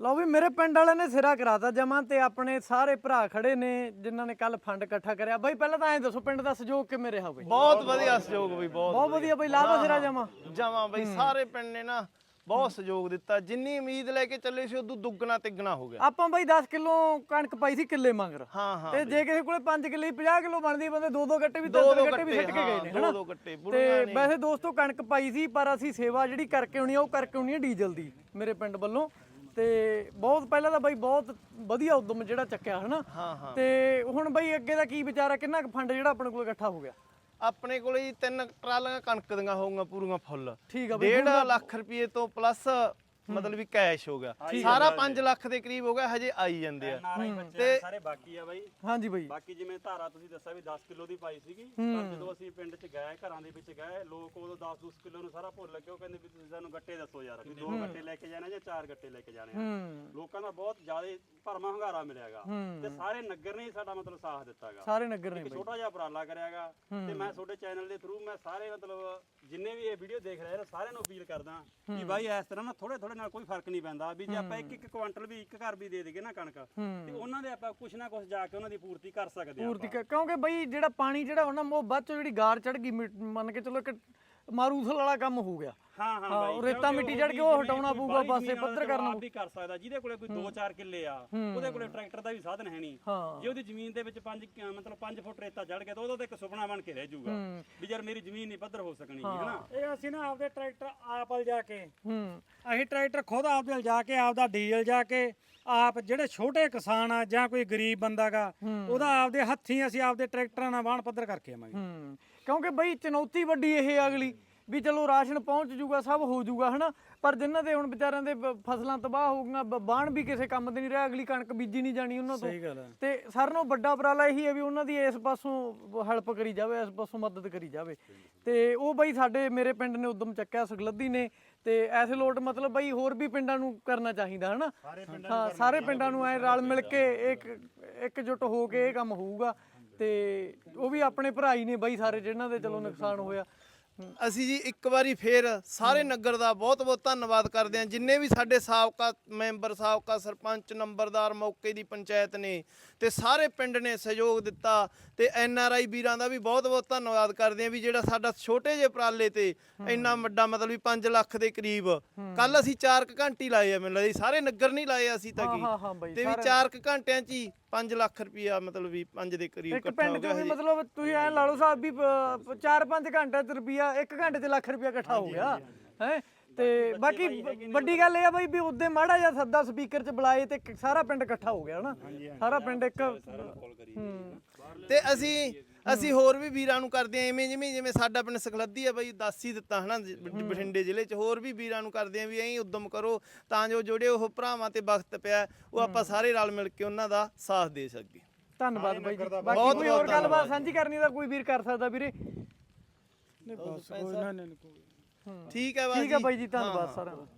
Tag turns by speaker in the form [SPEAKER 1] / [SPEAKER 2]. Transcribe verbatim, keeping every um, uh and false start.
[SPEAKER 1] ਲਓ ਵੀ ਮੇਰੇ ਪਿੰਡ ਵਾਲਿਆਂ ਨੇ ਸਿਰਾ ਕਰਾਤਾ ਜਮਾ ਤੇ ਆਪਣੇ ਸਾਰੇ ਭਰਾ ਖੜੇ ਨੇ ਜਿਨ੍ਹਾਂ ਨੇ ਕੱਲ ਫੰਡ ਇਕੱਠਾ ਕਰਿਆ ਬਾਈ। ਪਹਿਲਾਂ ਤਾਂ ਐਂ ਦੱਸੋ ਪਿੰਡ ਦਾ ਸਹਿਯੋਗ ਕਿਵੇਂ ਰਿਹਾ ਬਈ?
[SPEAKER 2] ਬਹੁਤ ਵਧੀਆ ਸਹਿਯੋਗ ਬਈ, ਬਹੁਤ
[SPEAKER 1] ਬਹੁਤ ਵਧੀਆ ਬਈ। ਲਾਭਾ ਸਿਰਾ ਜਮਾ
[SPEAKER 2] ਜਮਾ ਬਈ, ਸਾਰੇ ਪਿੰਡ ਨੇ ਨਾ ਬਹੁਤ ਸਹਿਯੋਗ ਦਿੱਤਾ। ਜਿੰਨੀ ਉਮੀਦ ਲੈ ਕੇ ਚੱਲੇ ਸੀ ਉਦੋਂ ਦੁੱਗਣਾ ਤਿੱਗਣਾ ਹੋ ਗਿਆ।
[SPEAKER 1] ਆਪਾਂ ਬਾਈ ਦਸ ਕਿਲੋ ਕਣਕ ਪਾਈ ਸੀ ਕਿੱਲੇ ਮੰਗਰ।
[SPEAKER 2] ਹਾਂ ਹਾਂ
[SPEAKER 1] ਤੇ ਜੇ ਕਿਸੇ ਕੋਲੇ ਪੰਜ ਕਿੱਲੇ ਪੰਜਾਹ ਕਿਲੋ ਬਣਦੀ ਬੰਦੇ ਦੋ ਦੋ ਗੱਟੇ ਵੀ
[SPEAKER 2] ਦੋ
[SPEAKER 1] ਤਿੰਨ
[SPEAKER 2] ਦੋ
[SPEAKER 1] ਗੱਟੇ ਵੀ ਸਿੱਟ ਕੇ ਗਏ ਨੇ
[SPEAKER 2] ਦੋ
[SPEAKER 1] ਹਨਾ।
[SPEAKER 2] ਦੋ ਗੱਟੇ
[SPEAKER 1] ਤੇ ਵੈਸੇ ਦੋਸਤੋ ਕਣਕ ਪਾਈ ਸੀ ਪਰ ਅਸੀਂ ਸੇਵਾ ਜਿਹੜੀ ਕਰਕੇ ਆਉਣੀ ਆ ਉਹ ਕਰਕੇ ਆਉਣੀ ਆ ਡੀਜ਼ਲ ਦੀ ਮੇਰੇ ਪਿੰਡ ਵੱਲੋਂ। ਤੇ ਬਹੁਤ ਪਹਿਲਾਂ ਤਾਂ ਬਾਈ ਬਹੁਤ ਵਧੀਆ ਉਦਮ ਜਿਹੜਾ ਚੱਕਿਆ ਹਨਾ।
[SPEAKER 2] ਹਾਂ ਹਾਂ
[SPEAKER 1] ਤੇ ਹੁਣ ਬਾਈ ਅੱਗੇ ਦਾ ਕੀ ਵਿਚਾਰ ਆ? ਕਿੰਨਾ ਕੁ ਫੰਡ ਜਿਹੜਾ ਆਪਣੇ ਕੋਲ ਇਕੱਠਾ ਹੋ ਗਿਆ?
[SPEAKER 2] ਆਪਣੇ ਕੋਲੇ ਜੀ ਤਿੰਨ ਟਰਾਲੀਆਂ ਕਣਕ ਦੀਆਂ ਹੋਊਗੀਆਂ ਪੂਰੀਆਂ ਫੁੱਲ।
[SPEAKER 1] ਠੀਕ ਆ ਬਈ।
[SPEAKER 2] ਡੇਢ ਲੱਖ ਰੁਪਏ ਤੋਂ ਪਲੱਸ ਮਤਲਬ ਵੀ ਕੈਸ਼ ਹੋ ਗਿਆ ਸਾਰਾ ਪੰਜ ਲੱਖ ਦੇ ਕਰੀਬ ਹੋ ਗਿਆ। ਹਜੇ ਆਈ ਜਾਂਦੇ ਆ
[SPEAKER 3] ਤੇ ਸਾਰੇ ਬਾਕੀ ਆ ਬਾਈ।
[SPEAKER 1] ਹਾਂਜੀ ਬਾਈ।
[SPEAKER 3] ਬਾਕੀ ਜਿਵੇਂ ਧਾਰਾ ਤੁਸੀਂ ਦੱਸਿਆ ਵੀ ਦਸ ਕਿਲੋ ਦੀ ਪਾਈ ਸੀਗੀ, ਪਰ ਜਦੋਂ ਅਸੀਂ ਪਿੰਡ 'ਚ ਗਏ ਘਰਾਂ ਦੇ ਵਿੱਚ ਗਏ ਲੋਕ ਉਦੋਂ ਦਸ ਦਸ ਕਿਲੋ ਨੂੰ ਸਾਰਾ ਭੁੱਲ ਕੇ ਉਹ ਕਹਿੰਦੇ ਵੀ ਤੁਸੀਂ ਸਾਨੂੰ ਗੱਟੇ ਦੱਸੋ ਯਾਰ, ਵੀ ਦੋ ਗੱਟੇ ਲੈ ਕੇ ਜਾਣੇ ਜਾਂ ਚਾਰ ਗੱਟੇ ਲੈ ਕੇ ਜਾਣੇ ਆ। ਲੋਕਾਂ ਦਾ ਬਹੁਤ ਜ਼ਿਆਦਾ ਭਰਮਾ ਹੰਗਾਰਾ ਮਿਲਿਆਗਾ ਤੇ ਸਾਰੇ ਨਗਰ ਨੇ ਸਾਡਾ ਮਤਲਬ ਸਾਥ ਦਿੱਤਾਗਾ।
[SPEAKER 1] ਸਾਰੇ ਨਗਰ ਨੇ
[SPEAKER 3] ਬਾਈ ਛੋਟਾ ਜਿਹਾ ਉਪਰਾਲਾ ਕਰਿਆਗਾ ਤੇ ਮੈਂ ਤੁਹਾਡੇ ਚੈਨਲ ਦੇ ਥਰੂ ਮੈਂ ਸਾਰੇ ਮਤਲਬ ਜਿੰਨੇ ਵੀ ਇਹ ਵੀਡੀਓ ਦੇਖ ਰਹੇ ਨੇ ਸਾਰਿਆਂ ਨੂੰ ਅਪੀਲ ਕਰਦਾ ਕਿ ਬਾਈ ਇਸ ਤਰ੍ਹਾਂ ਨਾ ਥੋੜੇ ਥੋੜੇ ਨਾਲ ਕੋਈ ਫਰਕ ਨਹੀਂ ਪੈਂਦਾ ਵੀ ਜੇ ਆਪਾਂ ਇੱਕ ਇੱਕ ਕੁਆਂਟਲ ਵੀ ਇੱਕ ਘਰ ਵੀ ਦੇ ਦੇਗੇ ਨਾ ਕਣਕ ਤੇ ਉਹਨਾਂ ਦੇ ਆਪਾਂ ਕੁਛ ਨਾ ਕੁਛ ਜਾ ਕੇ ਉਹਨਾਂ ਦੀ ਪੂਰਤੀ ਕਰ ਸਕਦੇ ਆ।
[SPEAKER 1] ਪੂਰਤੀ ਕਿਉਂਕਿ ਬਈ ਜਿਹੜਾ ਪਾਣੀ ਜਿਹੜਾ ਉਹਨਾਂ ਉਹ ਬਾਅਦ ਚੋਂ ਜਿਹੜੀ ਗਾਰ ਚੜ ਗਈ ਮੰਨ ਕੇ ਚਲੋ ਇੱਕ ਮਾਰੂਥਲ ਵਾਲਾ ਕੰਮ ਹੋ ਗਿਆ।
[SPEAKER 3] ਹਾਂ ਹਾਂ ਬਾਈ,
[SPEAKER 1] ਰੇਤਾ ਮਿੱਟੀ ਚੜ ਕੇ ਉਹ ਹਟਾਉਣਾ ਪਊਗਾ, ਪਾਸੇ ਪੱਧਰ ਕਰਨਾ
[SPEAKER 3] ਵੀ ਕਰ ਸਕਦਾ। ਜਿਹਦੇ ਕੋਲੇ ਕੋਈ ਦੋ ਚਾਰ ਕਿੱਲੇ ਆ ਉਹਦੇ ਕੋਲੇ ਟਰੈਕਟਰ ਦਾ ਵੀ ਸਾਧਨ ਹੈ ਨਹੀਂ। ਜੇ ਉਹਦੀ ਜ਼ਮੀਨ ਦੇ ਵਿੱਚ ਪੰਜ ਮਤਲਬ ਪੰਜ ਫੁੱਟ ਰੇਤਾ ਚੜ ਗਿਆ ਤਾਂ ਉਹਦਾ ਤਾਂ ਇੱਕ ਸੁਪਨਾ ਬਣ ਕੇ ਰਹਿ ਜਾਊਗਾ ਵੀ ਯਾਰ ਮੇਰੀ ਜ਼ਮੀਨ ਨਹੀਂ ਪੱਧਰ ਹੋ ਸਕਣੀ ਹੈ ਨਾ।
[SPEAKER 4] ਇਹ ਅਸੀਂ ਨਾ ਆਪਦੇ ਟਰੈਕਟਰ ਆਪ ਲਿਜਾ ਕੇ ਅਸੀਂ ਟਰੈਕਟਰ ਖੁਦ ਆਪਦੇ ਲਿਜਾ ਕੇ ਆਪਦਾ ਡੀਜ਼ਲ ਜਾ ਕੇ ਆਪ ਜਿਹੜੇ ਛੋਟੇ ਕਿਸਾਨ ਆ ਜਾਂ ਕੋਈ ਗਰੀਬ ਬੰਦਾ ਗਾ ਉਹਦਾ ਆਪਦੇ ਹੱਥੀਂ ਅਸੀਂ ਆਪਦੇ ਟਰੈਕਟਰਾਂ ਨਾਲ ਵਾਹਣ ਪੱਧਰ ਕਰਕੇ ਆਵਾਂਗੇ।
[SPEAKER 1] ਕਿਉਂਕਿ ਬਈ ਚੁਣੌਤੀ ਵੱਡੀ ਇਹ ਅਗਲੀ ਵੀ ਚਲੋ ਰਾਸ਼ਨ ਪਹੁੰਚ ਜੂਗਾ ਸਭ ਹੋ ਜੂਗਾ ਹਨਾ, ਪਰ ਜਿਨ੍ਹਾਂ ਦੇ ਹੁਣ ਵਿਚਾਰਿਆਂ ਦੇ ਫਸਲਾਂ ਤਬਾਹ ਹੋ ਗਈਆਂ ਬਾਣ ਵੀ ਕਿਸੇ ਕੰਮ ਦੇ ਨਹੀਂ ਰਿਹਾ, ਅਗਲੀ ਕਣਕ ਬੀਜੀ ਨਹੀਂ ਜਾਣੀ ਉਹਨਾਂ ਤੋਂ। ਤੇ ਸਾਰਿਆਂ ਨਾਲੋਂ ਵੱਡਾ ਉਪਰਾਲਾ ਇਹੀ ਹੈ ਵੀ ਉਹਨਾਂ ਦੀ ਇਸ ਪਾਸੋਂ ਹੈਲਪ ਕਰੀ ਜਾਵੇ, ਇਸ ਪਾਸੋਂ ਮਦਦ ਕਰੀ ਜਾਵੇ। ਤੇ ਉਹ ਬਈ ਸਾਡੇ ਮੇਰੇ ਪਿੰਡ ਨੇ ਉਦਮ ਚੱਕਿਆ ਸੁਖਲੱਧੀ ਨੇ ਤੇ ਐਸੇ ਲੋਟ ਮਤਲਬ ਬਈ ਹੋਰ ਵੀ ਪਿੰਡਾਂ ਨੂੰ ਕਰਨਾ ਚਾਹੀਦਾ ਹਨਾ। ਹਾਂ ਸਾਰੇ ਪਿੰਡਾਂ ਨੂੰ ਐ ਰਲ ਮਿਲ ਕੇ ਇੱਕ ਇਕਜੁੱਟ ਹੋ ਕੇ ਇਹ ਕੰਮ ਹੋਊਗਾ। ਤੇ ਉਹ ਵੀ ਆਪਣੇ ਭਰਾ ਹੀ ਨੇ ਬਈ ਸਾਰੇ ਜਿਨ੍ਹਾਂ ਦੇ ਚਲੋ ਨੁਕਸਾਨ ਹੋਇਆ।
[SPEAKER 2] ਅਸੀਂ ਜੀ ਇੱਕ ਵਾਰੀ ਫੇਰ ਸਾਰੇ ਨਗਰ ਦਾ ਬਹੁਤ ਬਹੁਤ ਧੰਨਵਾਦ ਕਰਦੇ ਹਾਂ। ਜਿੰਨੇ ਵੀ ਸਾਡੇ ਸਾਬਕਾ ਮੈਂਬਰ ਸਾਬਕਾ ਸਰਪੰਚ ਨੰਬਰਦਾਰ ਮੌਕੇ ਦੀ ਪੰਚਾਇਤ ਨੇ ਤੇ ਸਾਰੇ ਪਿੰਡ ਨੇ ਸਹਿਯੋਗ ਦਿੱਤਾ ਤੇ ਐਨ ਆਰ ਆਈ ਵੀਰਾਂ ਦਾ ਵੀ ਬਹੁਤ ਬਹੁਤ ਧੰਨਵਾਦ ਕਰਦੇ ਹਾਂ ਵੀ ਜਿਹੜਾ ਸਾਡਾ ਛੋਟੇ ਜਿਹੇ ਉਪਰਾਲੇ ਤੇ ਇੰਨਾ ਵੱਡਾ ਮਤਲਬ ਵੀ ਪੰਜ ਲੱਖ ਦੇ ਕਰੀਬ ਕੱਲ ਅਸੀਂ ਚਾਰ ਕੁ ਘੰਟੇ ਲਾਏ ਆ। ਮੈਨੂੰ ਲੱਗਦਾ ਸਾਰੇ ਨਗਰ ਨਹੀਂ ਲਾਏ ਅਸੀਂ ਤਾਂ ਕੀ ਤੇ ਵੀ ਚਾਰ ਕੁ ਘੰਟਿਆਂ 'ਚ ਹੀ ਪੰਜ ਲੱਖ ਰੁਪਇਆ ਮਤਲਬ ਵੀ ਪੰਜ ਦੇ ਕਰੀਬ ਇਕੱਠਾ ਹੋ ਗਿਆ।
[SPEAKER 1] ਮਤਲਬ ਤੁਸੀਂ ਐ ਲਾ ਲਓ ਸਾਹਿਬ ਵੀ ਚਾਰ ਪੰਜ ਘੰਟੇ ਚ ਰੁਪਿਆ ਇੱਕ ਘੰਟੇ ਚ ਲੱਖ ਰੁਪਇਆ ਇਕੱਠਾ ਹੋ ਗਿਆ ਹੈ। ਤੇ ਬਾਕੀ ਵੱਡੀ ਗੱਲ ਇਹ ਆ ਬਈ ਵੀ ਉਦੋਂ ਮਾੜਾ ਜਿਹਾ ਸੱਦਾ ਸਪੀਕਰ ਚ ਬੁਲਾਏ ਤੇ ਸਾਰਾ ਪਿੰਡ ਇਕੱਠਾ ਹੋ ਗਿਆ ਹਨਾ। ਸਾਰਾ ਪਿੰਡ ਇੱਕ
[SPEAKER 2] ਤੇ ਅਸੀਂ ਅਸੀਂ ਹੋਰ ਵੀ ਵੀਰਾਂ ਨੂੰ ਕਰਦੇ ਆ ਐਵੇਂ ਜਿਵੇਂ ਜਿਵੇਂ ਸਾਡਾ ਪਿੰਡ ਸੁਖਲੱਧੀ ਆ ਬਈ ਦੱਸ ਹੀ ਦਿੱਤਾ ਹਨਾ ਬਠਿੰਡੇ ਜ਼ਿਲ੍ਹੇ 'ਚ ਹੋਰ ਵੀ ਵੀਰਾਂ ਨੂੰ ਕਰਦੇ ਆ ਵੀ ਐਂ ਉਦਮ ਕਰੋ ਤਾਂ ਜੋ ਜਿਹੜੇ ਉਹ ਭਰਾਵਾਂ ਤੇ ਵਕਤ ਪਿਆ ਉਹ ਆਪਾਂ ਸਾਰੇ ਰਲ ਮਿਲ ਕੇ ਉਹਨਾਂ ਦਾ ਸਾਥ ਦੇ ਸਕੀਏ।
[SPEAKER 1] ਧੰਨਵਾਦ ਬਾਈ ਜੀ। ਬਾਕੀ ਕੋਈ ਹੋਰ ਗੱਲਬਾਤ ਸਾਂਝੀ ਕਰਨੀ ਤਾਂ ਕੋਈ ਵੀਰ ਕਰ ਸਕਦਾ ਵੀਰੇ।
[SPEAKER 2] ਠੀਕ ਹੈ
[SPEAKER 1] ਠੀਕ ਹੈ ਬਾਈ ਜੀ, ਧੰਨਵਾਦ ਸਾਰਿਆਂ ਦਾ।